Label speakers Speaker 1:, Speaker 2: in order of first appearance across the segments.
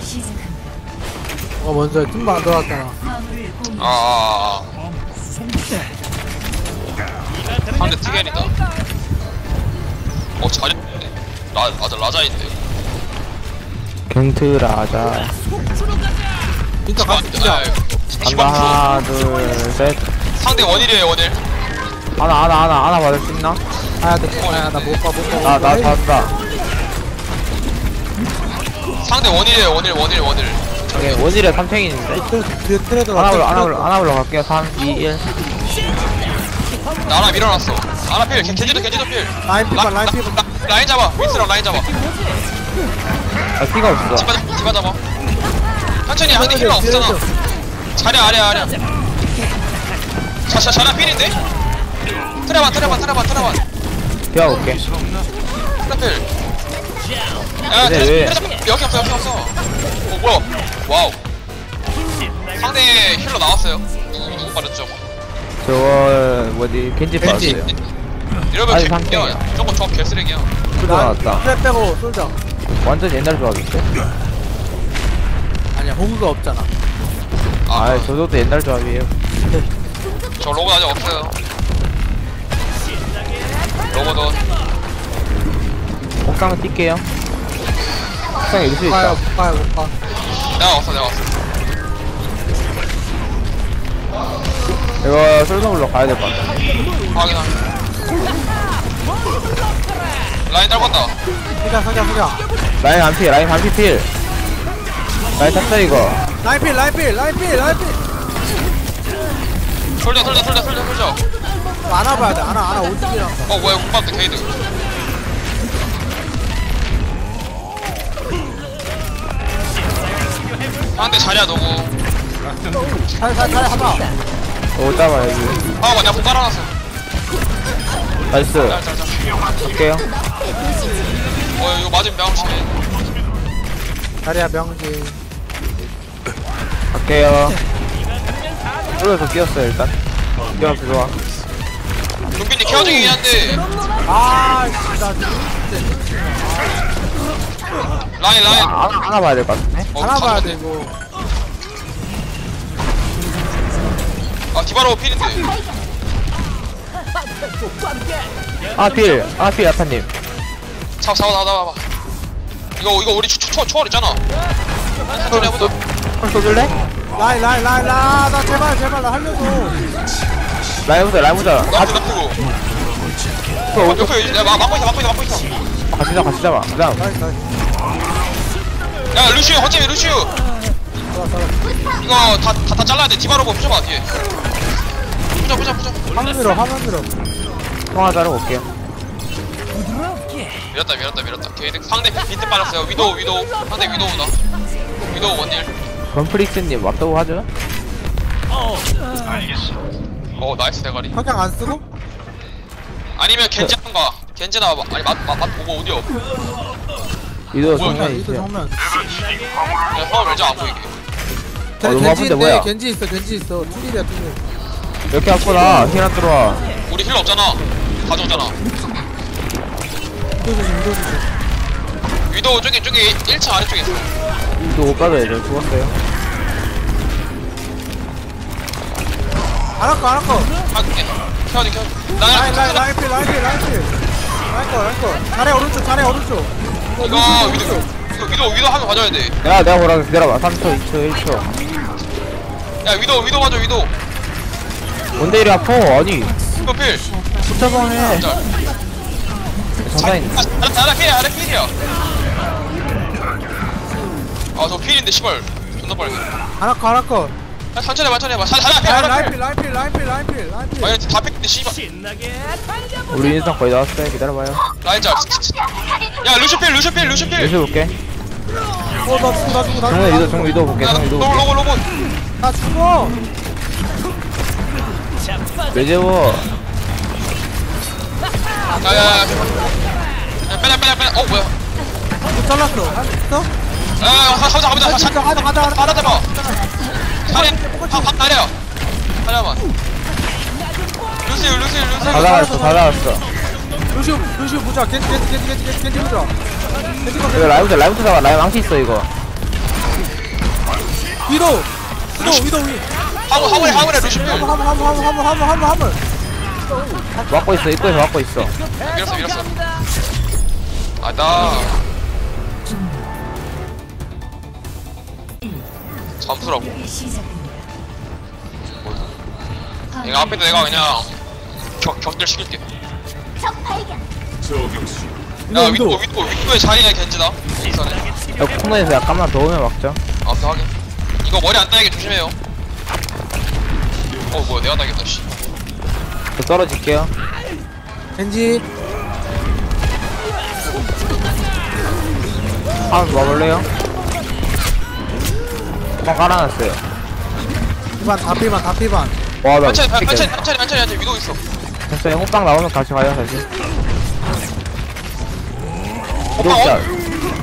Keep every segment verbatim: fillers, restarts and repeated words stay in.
Speaker 1: 어 먼저 팀방 안 들어왔잖아.
Speaker 2: 아, 상대 티겐이다. 어, 잘했네. 라, 맞아, 라자인데.
Speaker 3: 겐트 라자.
Speaker 1: 진짜 같이 뛰자.
Speaker 3: 간다. 하나, 둘, 셋.
Speaker 2: 상대 원일이에요, 원일.
Speaker 3: 하나, 하나, 하나, 하나 받을 수 있나?
Speaker 1: 아야 돼. 아야 나못 봐, 못 봐.
Speaker 3: 나, 나 받았다.
Speaker 2: 상대 원일이에요, 원일, 원일, 원일.
Speaker 3: 예, 원일에 삼탱인데.
Speaker 1: 뒤에 트레드
Speaker 3: 하나 올라, 하나 올라, 하나 올라갈게요. 삼, 이, 일.
Speaker 2: 나 하나 밀어놨어. 하나 필, 겐지도, 겐지도 필.
Speaker 1: 라인 피봐, 라인 피봐.
Speaker 2: 라, 라인 잡아, 윈스랑 라인 잡아.
Speaker 3: 아, 피가 없어.
Speaker 2: 디바, 디바 잡아. 천천히, 상대 힐러 없잖아. 자리 아래, 아래. 자, 자, 자리 필인데? 트레반, 트레반, 트레반, 트레반.
Speaker 3: 비워볼게.
Speaker 2: 트레필. 야,
Speaker 3: 근데
Speaker 2: 트레,
Speaker 3: 왜-
Speaker 2: 트레, 트레, 여기 없어, 여기 없어. 어, 뭐야. 와우. 상대 힐러 나왔어요. 누구, 누구 빠졌죠?
Speaker 3: 저거, 뭐지, 겐지
Speaker 1: 겐지.
Speaker 3: 빠졌어요.
Speaker 2: 이러면
Speaker 3: 아니,
Speaker 2: 개쓰레기야.
Speaker 3: 상대.
Speaker 2: 저거 저 개쓰레기야.
Speaker 3: 풀도 나왔다.
Speaker 1: 트레 빼고 쏠자.
Speaker 3: 완전 옛날 조합인데?
Speaker 1: 아니야 호구가 없잖아.
Speaker 2: 아,
Speaker 3: 아, 저도 옛날 조합이에요.
Speaker 2: 저 로봇 아직 없어요. 로봇은
Speaker 3: 옥상은 뛸게요. 옥상에 일수
Speaker 1: 못 가요,
Speaker 3: 있다.
Speaker 1: 못 가요, 못 가.
Speaker 2: 내가 왔어, 내가 왔어.
Speaker 3: 이거 솔선물로 가야 될 것 같아.
Speaker 2: 확인하. 라인 떨궜다.
Speaker 1: 서자, 서자, 서자.
Speaker 3: 라인 안 피, 라인 안 피 필. 라인 탔어, 이거.
Speaker 1: 라인 필, 라인 필, 라인 필, 라인 필.
Speaker 2: 솔져, 솔져, 솔져, 솔져, 솔져.
Speaker 1: 안아봐야 돼, 안아, 안아 오직이랑.
Speaker 2: 어, 뭐야, 국밥도 게이드. 상대 자리야, 너고.
Speaker 1: 잘, 잘, 잘 하봐.
Speaker 3: 오, 잡아, 여기.
Speaker 2: 아, 맞냐, 공 깔아놨어.
Speaker 3: 나이스.
Speaker 2: 잘, 잘, 잘.
Speaker 3: 갈게요.
Speaker 2: 어, 이거 맞으면 명치.
Speaker 1: 자리야 명지.
Speaker 3: 갈게요. 올려서 뛰었어요, 일단. 뛰어서 좋아.
Speaker 2: 동빈이 케어 중이긴 한데.
Speaker 1: 아, 씨, 나 진짜.
Speaker 2: 라인, 라인.
Speaker 3: 아, 하나, 하나 봐야 될 것 같은데?
Speaker 2: 어,
Speaker 1: 안아봐야
Speaker 2: 다
Speaker 1: 돼, 이거.
Speaker 2: 아, 디바로 필인데.
Speaker 3: 아, 필. 아, 필, 야타님.
Speaker 2: 잡아, 잡아, 잡아, 잡아. 이거, 이거 우리 초, 초, 초월 있잖아. 천천히 해보자.
Speaker 3: 헐, 쏘줄래?
Speaker 1: 라인, 라인, 라인, 라인. 아, 나 제발, 제발, 나 살려줘.
Speaker 3: 라인 보자, 라인 보자.
Speaker 2: 나쁘고, 나쁘고.
Speaker 3: 그, 오,
Speaker 2: 옆에, 내가 막- 막고 있어, 막고 있어, 막고 있어.
Speaker 3: 같이 잡아, 같이 잡아. 그 다음.
Speaker 1: 나이스, 나이스.
Speaker 2: 야, 루시우, 허점이 루시우.
Speaker 1: 좋아, 좋아.
Speaker 2: 이거 다, 다, 다 잘라야 돼. 디바로고 부셔봐, 뒤에. 부셔, 부셔, 부셔.
Speaker 1: 화면 밀어, 화면 밀어.
Speaker 3: 통화 자르고 올게요.
Speaker 2: 밀었다, 밀었다, 밀었다. 게이드 상대 비트 빨았어요. 위도우, 위도우. 상대 위도우다. 위도우 원일.
Speaker 3: 건프릭스님 왔다고 하죠?
Speaker 2: 어, 나이스 대가리.
Speaker 1: 석양 안 쓰고?
Speaker 2: 아니면 겐지 한가. 겐지나, 마- 아니, 맛, 맛, 맛 보고 오디오.
Speaker 3: 이도
Speaker 2: 뭐야,
Speaker 3: 정면
Speaker 1: 이거
Speaker 3: 있어요.
Speaker 1: 정면.
Speaker 2: 그냥 화면 멜자 안 보이게.
Speaker 1: 쟤
Speaker 3: 너무
Speaker 1: 겐지
Speaker 3: 아픈데
Speaker 1: 있네,
Speaker 3: 뭐야?
Speaker 1: 겐지 있어, 겐지 있어. 투딜이야, 투딜.
Speaker 3: 이렇게 왔구나. 힐안 들어와.
Speaker 2: 우리 힐러 없잖아. 가져오잖아.
Speaker 1: 이도 조심, 이도 조심.
Speaker 2: 위도우 저기, 저기 일 층 아래쪽에 있어.
Speaker 3: 이도 못 가져야 돼. 죽었어요.
Speaker 1: 안 할거, 안 할거.
Speaker 2: 아, 예. 켜야지, 켜야지.
Speaker 1: 라인, 라인,
Speaker 2: 라인,
Speaker 1: 라인 필, 라인 필, 라인 필. 라인 거, 라인 거. 자리 오른쪽, 자리 오른쪽. 이거
Speaker 2: 이거
Speaker 1: 루시,
Speaker 2: 위도우,
Speaker 1: 오른쪽.
Speaker 2: 이거 위도우, 위도우 하면 가져야 돼.
Speaker 3: 야, 내가 보라. 기다려봐. 삼 초, 이 초, 일 초.
Speaker 2: 야, 위도우, 위도우 가져, 위도우.
Speaker 3: 뭔데 이리 아파? 아니,
Speaker 2: 이거 필.
Speaker 3: 붙여방해.
Speaker 2: 자,
Speaker 3: 장사인.
Speaker 2: 아, 나, 나 필이야, 나 필이야. 아, 저 필인데, 씨발. 존나 빠르게.
Speaker 1: 안 할거, 안 할거.
Speaker 2: 야, 천천히 해봐, 천천히 해봐. 자, 하나 필,
Speaker 1: 라인,
Speaker 2: 하나
Speaker 1: 라인
Speaker 2: 필.
Speaker 1: 필, 라인 필, 라인 필, 라인 필, 라인 필.
Speaker 2: 아니, 다 필인데, 씨발.
Speaker 3: 우리 인상 거의 나왔어요. 기다려봐요.
Speaker 2: 라인 짤. 야, 루시 필, 루시 필, 루시 필.
Speaker 3: 열심히 볼게.
Speaker 1: 어, 나 죽어, 나 죽어, 나
Speaker 3: 정면
Speaker 1: 죽어.
Speaker 3: 위도, 정면 위도 볼게.
Speaker 2: 야,
Speaker 3: 정면 위도
Speaker 2: 로봇,
Speaker 3: 볼게.
Speaker 2: 로봇, 로봇.
Speaker 1: 나 죽어.
Speaker 3: 매제워.
Speaker 2: 야, 야, 야. 야, 빼자, 빼자, 빼자. 어, 뭐야.
Speaker 1: 못 잘랐어. 할 수 있어?
Speaker 2: 야, 야, 가자, 가자, 가자.
Speaker 1: 가자, 가자, 가자, 가자.
Speaker 2: 하나 잡아. 차례, 한, 한 차례야. 하나만. 루시우, 루시우, 루시우.
Speaker 3: 다 나왔어, 다 나왔어.
Speaker 1: 루시오, 루시오 보자. 겐지, 겐지, 겐지, 겐지, 겐지, 겐지 보자. 겐지 거,
Speaker 3: 이거 라이브도, 라이브도 잡아. 라이브 망치 있어, 이거.
Speaker 1: 위도 위도 위도 위
Speaker 2: 화물 화물에 화물에 루시필.
Speaker 1: 화물 화물 화물 화물 화물 화물 화물 화물
Speaker 3: 막고 있어 입구에서 막고 있어.
Speaker 2: 밀었어 밀었어. 아나 잠수라고. 내가 앞에도 내가 그냥 격 격들 시킬게. 야
Speaker 1: 위도
Speaker 2: 윗도 윗도 윗도의 자리에 겐지다. 인선에.
Speaker 3: 야 코너에서 약간만 더 오면 막자.
Speaker 2: 아 오케이 확인. 이거 머리 안 따이게 조심해요. 어 뭐야 내가 따겠다 씨.
Speaker 3: 저 떨어질게요.
Speaker 1: 겐지
Speaker 3: 한번 와볼래요? 방 깔아놨어요.
Speaker 1: 피반 다 피반 다 피반
Speaker 3: 와나
Speaker 2: 천천히 천천히 천천히 천천히 천천히 위도 있어.
Speaker 3: 됐어요. 호빵 나오면 같이 가요 다시.
Speaker 2: 호빵
Speaker 3: 이거 짤.
Speaker 2: 어?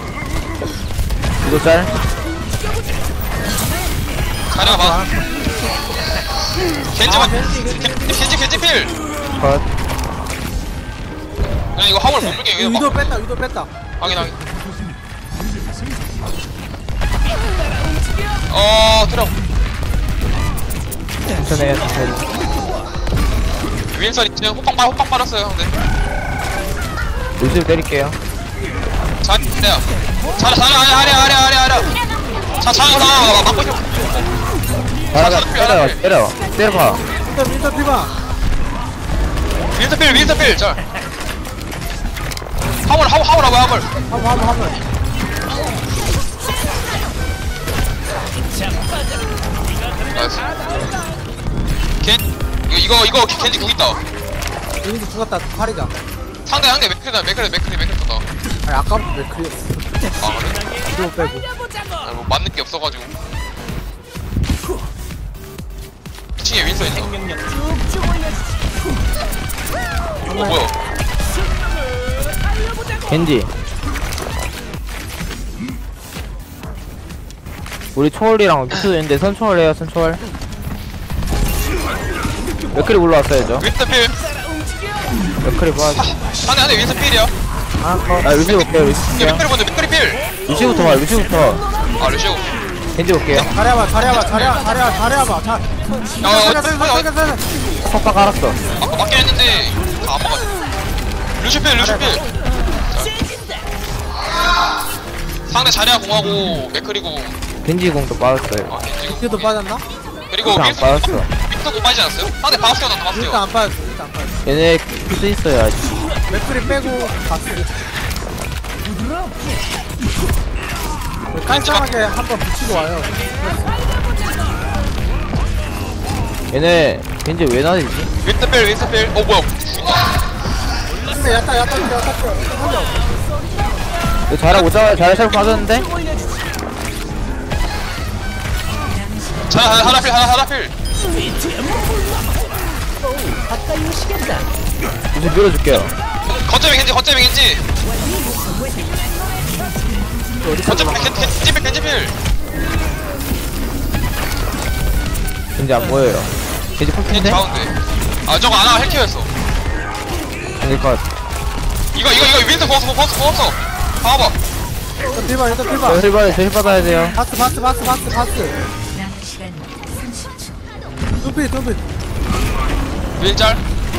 Speaker 3: 이거 짤.
Speaker 2: 자리가 봐. 겐지
Speaker 1: 아,
Speaker 2: 봐.
Speaker 1: 겐지, 겐지.
Speaker 2: 겐지 겐지 필.
Speaker 3: 컷.
Speaker 2: 야 이거 화물 못 물게 이거
Speaker 1: 위도
Speaker 2: 막.
Speaker 1: 뺐다 위도 뺐다
Speaker 2: 확인 확인. 어 들어.
Speaker 3: 천천히 해요 천천히.
Speaker 2: 윈선 있지. 호빵 빨 호빵 빨았어요 근데.
Speaker 3: 루시를 때릴게요.
Speaker 2: 자리야. 자리 자리 아래 아래 아래 아래 아래. 자 자리 나 막고 있어.
Speaker 3: 나라가 때려 때려 때려봐.
Speaker 1: 일단 일단 피반
Speaker 2: 윈선 필 윈선 필. 자. 화물 화물 화물 화물 화물.
Speaker 1: 화물 화물 화물
Speaker 2: 나이스. 겐 이거 이거 이거 겐지 궁 있다.
Speaker 1: 여기도 죽었다 팔이가
Speaker 2: 상대 상대 맥크리다 맥크리 맥크리 맥크리다.
Speaker 1: 아니 아까부터 왜 그래
Speaker 2: 아 그래?
Speaker 1: 위도 빼고
Speaker 2: 아, 뭐 맞는 게 없어가지고. 이 층에 윈서 있어. 어 뭐야?
Speaker 3: 겐지. 우리 초월이랑 피스도 있는데 선초월 해요 선초월. 맥클이 올라왔어야죠.
Speaker 2: 윈서 필.
Speaker 3: 맥클이 봐.
Speaker 2: 상대 상대 윈서 필이야.
Speaker 1: 아컷
Speaker 3: 아 루시 볼게요 루시
Speaker 2: 이게
Speaker 3: 볼게요.
Speaker 2: 맥크리 먼저 맥크리 필.
Speaker 3: 루시부터 봐 루시부터.
Speaker 2: 아 루시오.
Speaker 3: 겐지 볼게요.
Speaker 1: 잘해봐 잘해봐 잘해봐 잘해봐 잘해봐 자
Speaker 2: 야,
Speaker 3: 석박 깔았어.
Speaker 2: 아까 맞긴 했는데 다 안 막았네. 루시오 필 루시오 필. 자. 상대 자리야 공하고 맥크리고.
Speaker 3: 겐지 공도 빠졌어요.
Speaker 2: 아 겐지고.
Speaker 1: 이도 빠졌나?
Speaker 2: 그리고
Speaker 3: 일단 안
Speaker 2: 윈서
Speaker 3: 빠졌어.
Speaker 2: 윈서도 빠지지 않았어요? 상대 바스티오 나왔다 바스티오.
Speaker 1: 일단 안 빠졌어 일단 안 빠졌어
Speaker 3: 얘네 피스 있어요 아직.
Speaker 1: 맥크리 빼고 봤어 깔끔하게 한번 붙이고 와요
Speaker 3: 얘네 겐지 왜 나대지?
Speaker 2: 윈서 필 윈서 필. 어 뭐야?
Speaker 1: 근데 야타 야타 야타 야타 살려
Speaker 3: 이거 잘하고 오자마자 잘해 잘 빠졌는데?
Speaker 2: 자 하나 하나 필 하나 하나 필.
Speaker 3: 이제 밀어줄게요.
Speaker 2: 거점이 겐지 거점이 겐지. 거점이 겐지 겐지 필 겐지 필.
Speaker 3: 겐지 안 보여요. 겐지
Speaker 2: 겐지
Speaker 3: 폴핀데?
Speaker 2: 가운데. 아 저거 아나 헬키였어.
Speaker 3: 겐지 컷.
Speaker 2: 이거 이거 이거 윈서 버스 버스 버스. 봐봐.
Speaker 1: 일단 필반 일단
Speaker 3: 저
Speaker 1: 필반
Speaker 3: 힐받아 저 힐받아야 돼요.
Speaker 1: 바스 바스 바스 바스 바스 둠피 둠피
Speaker 2: 윈짤.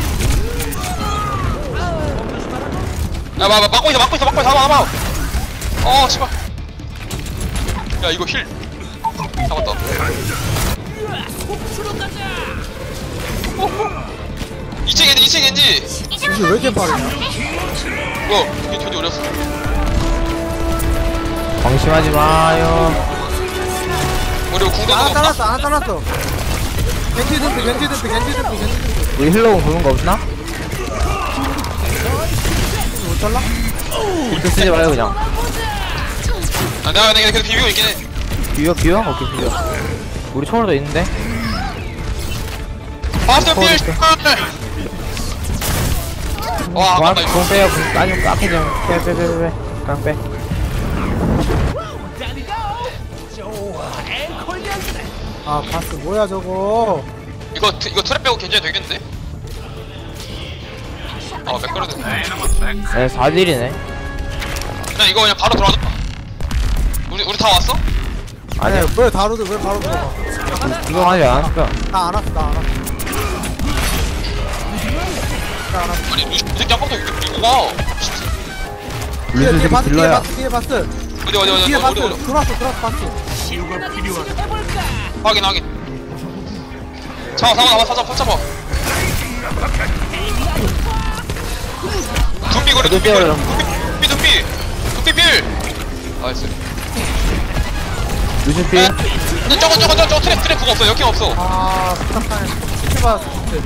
Speaker 2: 야 마, 마, 막고 있어 막고 있어 막고 있어 잡아 잡아. 어 씨발. 야 이거 힐. 잡았다. 이층 겐지 이층 겐지.
Speaker 1: 이게 왜 이렇게 빠르냐
Speaker 2: 뭐야 이게 겐지 어렸어.
Speaker 3: 방심하지 마요.
Speaker 2: 우리 궁도
Speaker 1: 하나
Speaker 2: 없나?
Speaker 1: 잘랐어 하나 잘랐어 겐지 둠피 겐지 둠피 겐지 둠피 겐지 둠피
Speaker 3: 우리 힐러공 보는 거 없나?
Speaker 1: 못 잘라?
Speaker 3: 이렇게 쓰지 마요 그냥.
Speaker 2: 아 내가 내가 계속 비비고 있긴 해.
Speaker 3: 비벼 비벼? 오케이 비벼. 우리 초월도 있는데?
Speaker 2: 바스터 필. 와
Speaker 3: 공,
Speaker 2: 아깝다 이거.
Speaker 3: 공 빼요. 공, 아니 앞에 그냥 빼 빼 빼 빼. 그냥 빼.
Speaker 1: 아 바스 뭐야 저거
Speaker 2: 이거 트- 이거 트랩 빼고 견제해도 되겠는데? 아 맥거리드.
Speaker 3: 네 사 딜이네.
Speaker 2: 그냥 이거 그냥 바로 돌아가. 우리 우리 다 왔어?
Speaker 3: 아니야.
Speaker 1: 아니 왜 바로 들- 왜 바로 들어가?
Speaker 3: 이거 아직 안 왔어.
Speaker 1: 나안 왔어 나안 왔어. 나안 왔어.
Speaker 2: 아니 루시 이 새끼 아까부터 이렇게 밀고 가.
Speaker 1: 뒤에 뒤에
Speaker 3: 루즈
Speaker 1: 바스 뒤에
Speaker 3: 딜러야.
Speaker 1: 바스 뒤에 바스
Speaker 2: 어디 어디 어디
Speaker 1: 뒤에
Speaker 2: 어디
Speaker 1: 바스
Speaker 2: 어디 어디.
Speaker 1: 들어왔어 들어왔어 바스.
Speaker 2: 확인 확인. 잡아 잡아 잡아 잡아 잡아. 둠비 거리 둠비 거리 둠비 둠비 둠비 빌. 나이스.
Speaker 3: 루즈 필.
Speaker 2: 야, 저거 저거 저거 저거 트랩 트랩 그거 없어 역행 없어.
Speaker 1: 아 부탁하네. 루시 봐.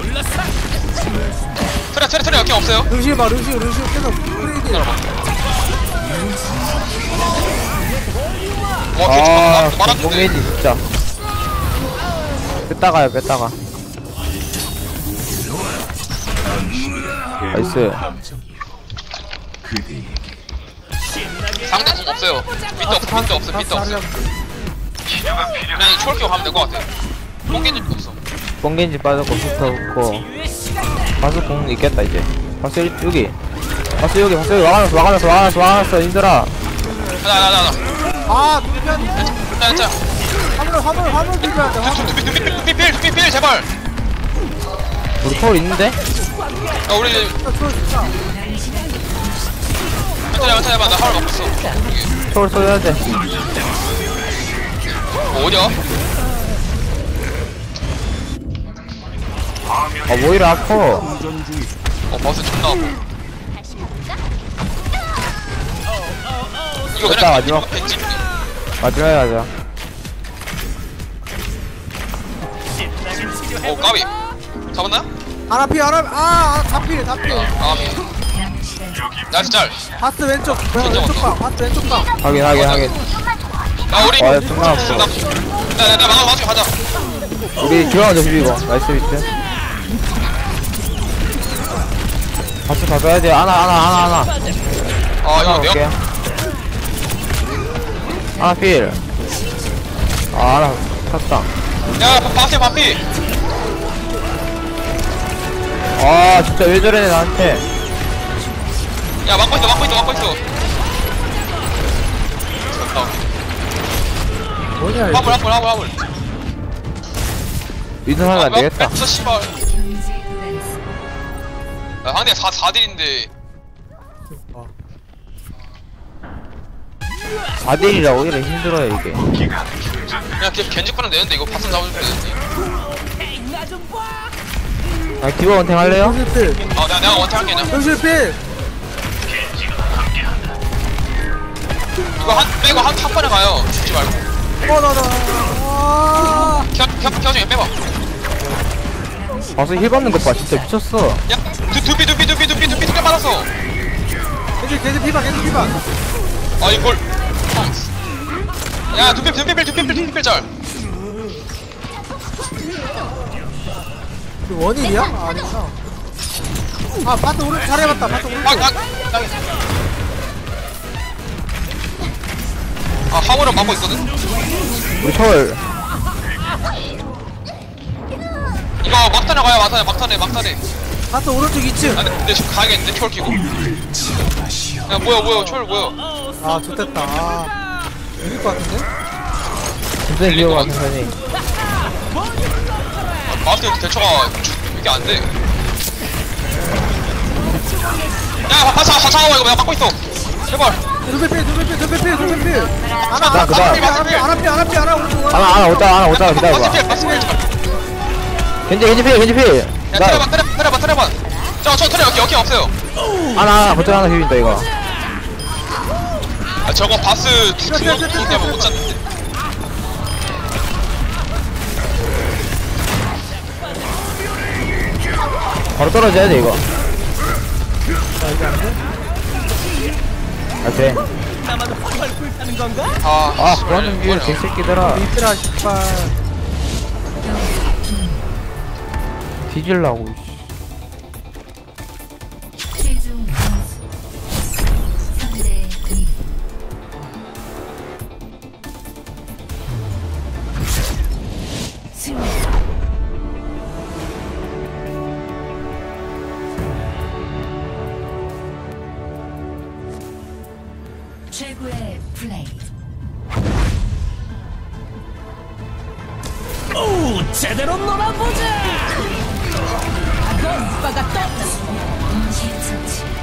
Speaker 2: 트랩 트랩 트랩 역행 없어요.
Speaker 1: 루시 봐 루시 루시 계속 프레이드.
Speaker 2: 와
Speaker 3: 아,
Speaker 2: 개처럼 말았는데.
Speaker 3: 공개지 진짜. 뺐다가요, 뺐다가. 나이스.
Speaker 2: 상대 공 없어요. 밑에 없어 밑에 없어 밑에 없어. 그냥 이 초월기어 가면 될 것 같아. 뽕겐지 없어.
Speaker 3: 뽕겐지 빠졌고, 부터 없고. 바스 공 있겠다, 이제. 바스 여기. 바스 여기, 바스 여기. 와가놨어, 와가놨어, 와가놨어, 와가놨어, 힘들어.
Speaker 2: 가자 가자 가자.
Speaker 1: 아 두변
Speaker 2: 자, 자.
Speaker 1: 화물 화물 화물 비벼야 돼 화물.
Speaker 2: 두비 두비 두비 필 두비 필 제발.
Speaker 3: 우리 서울 있는데?
Speaker 2: 야 우리
Speaker 1: 진짜 추워 진짜.
Speaker 2: 천천히 천천히 해봐. 나 하울 먹고 있어.
Speaker 3: 서울 써야 돼.
Speaker 2: 어, 어디야?
Speaker 3: 아, 뭐 이래 아파.
Speaker 2: 어 버스 존나 아파. 이거
Speaker 3: 됐다,
Speaker 2: 그냥
Speaker 3: 마지막.
Speaker 2: 벤치.
Speaker 3: 마지막에 가자.
Speaker 2: 어 까비. 잡았나?
Speaker 1: 하나 피 하나 아 다필 다필.
Speaker 2: 아 나이스 짤.
Speaker 1: 바스 왼쪽
Speaker 2: 진짜
Speaker 1: 왼쪽
Speaker 2: 왔어.
Speaker 1: 방 바스 왼쪽 방.
Speaker 3: 확인, 확인, 확인.
Speaker 2: 야 우리
Speaker 3: 아, 존나 아파.
Speaker 2: 나나 막아 막아 가자.
Speaker 3: 우리 들어가자, 비비고. 나이스 비트. 바스 다 써야 돼. 하나, 하나, 하나, 하나.
Speaker 2: 아 이거
Speaker 3: 올게.
Speaker 2: 내가
Speaker 3: 하나 필. 아, 하나 탔다.
Speaker 2: 야 바피 바피.
Speaker 3: 아, 진짜 왜 저래, 나한테.
Speaker 2: 야 막고 있어 막고 있어 막고 있어. 됐다.
Speaker 1: 뭐냐 이거.
Speaker 2: 화물 화물 화물 화물.
Speaker 3: 위선 하면 안 되겠다.
Speaker 2: 뺐어 씨발. 야 상대 사 사딜인데.
Speaker 3: 사 대 일이라 오히려 힘들어요, 이게.
Speaker 2: 그냥 걔 겐지 거는 되는데 이거 바슴 잡으면 되는데.
Speaker 3: 아, 디버 원탱 할래요?
Speaker 1: 루시 필
Speaker 2: 아 내가 내가 원태 할게 그냥.
Speaker 1: 루시 필.
Speaker 2: 이거 한 빼고 한 한 번에 가요. 죽지 말고.
Speaker 1: 어나나. 와.
Speaker 2: 켜켜 중에 빼봐.
Speaker 3: 봐서 힐 받는 것 봐, 진짜 미쳤어.
Speaker 2: 야 두, 두비 두비 두비 두비 두비 두비 받았어.
Speaker 1: 계속 계속 피방 계속 피방.
Speaker 2: 아 이걸. 야 두비 두비 필 두비 필 두비 필 짤.
Speaker 1: 그 원인이야? 아, 아니구나. 아 바스 오른 잘해봤다 바스 오른.
Speaker 2: 아, 아, 아, 화물은 막고 있거든?
Speaker 3: 우리 서울.
Speaker 2: 이거 막탄에 가요, 막탄에, 막탄에, 막탄에.
Speaker 1: 바스 오른쪽 이 층.
Speaker 2: 아, 근데, 근데 지금 가야겠는데, 초월 키고. 야, 뭐야, 뭐야, 초월 뭐야.
Speaker 1: 아 좋됐다. 아 이길 것 같은데?
Speaker 3: 천천히 기어가, 천천히.
Speaker 2: 아, 마우스 대처가 이게 안 돼. 야, 아, 자, 자, 이거 내가 막고 있어. 제발.
Speaker 1: 두배 필 두배 필 두배 필 두배 필. 하나
Speaker 3: 나
Speaker 1: 하나
Speaker 3: 그다음.
Speaker 1: 하나 필 하나 필 하나 필 하나 오른쪽.
Speaker 3: 하나, 하나 오다가, 하나 오다가 기다려봐.
Speaker 2: 마우스 필, 마우스 필.
Speaker 3: 겐지, 겐지 필, 겐지 필.
Speaker 2: 야,
Speaker 3: 나,
Speaker 2: 트레반, 트레반, 트레반, 트레반. 저, 저 트레 여기, 여기 없어요.
Speaker 3: 하나, 하나, 거점 하나 비빈다, 이거.
Speaker 2: 아, 저거 바스 두, 두 명, 두 때문에 못 잡는데.
Speaker 3: 바로 떨어져야 돼, 이거.
Speaker 1: 자 이제 안 돼?
Speaker 3: 아, 돼.
Speaker 2: 아,
Speaker 3: 아,
Speaker 2: 씨발,
Speaker 3: 그러는 길,
Speaker 2: 뭐냐.
Speaker 3: 개새끼들아.
Speaker 1: 이들아 씨발.
Speaker 3: 뒤질라고, 씨.
Speaker 4: 최종 점수 삼 대 이. 승리. 최고의 플레이.
Speaker 5: 오, 제대로 놀아보자.
Speaker 4: 동시 처치.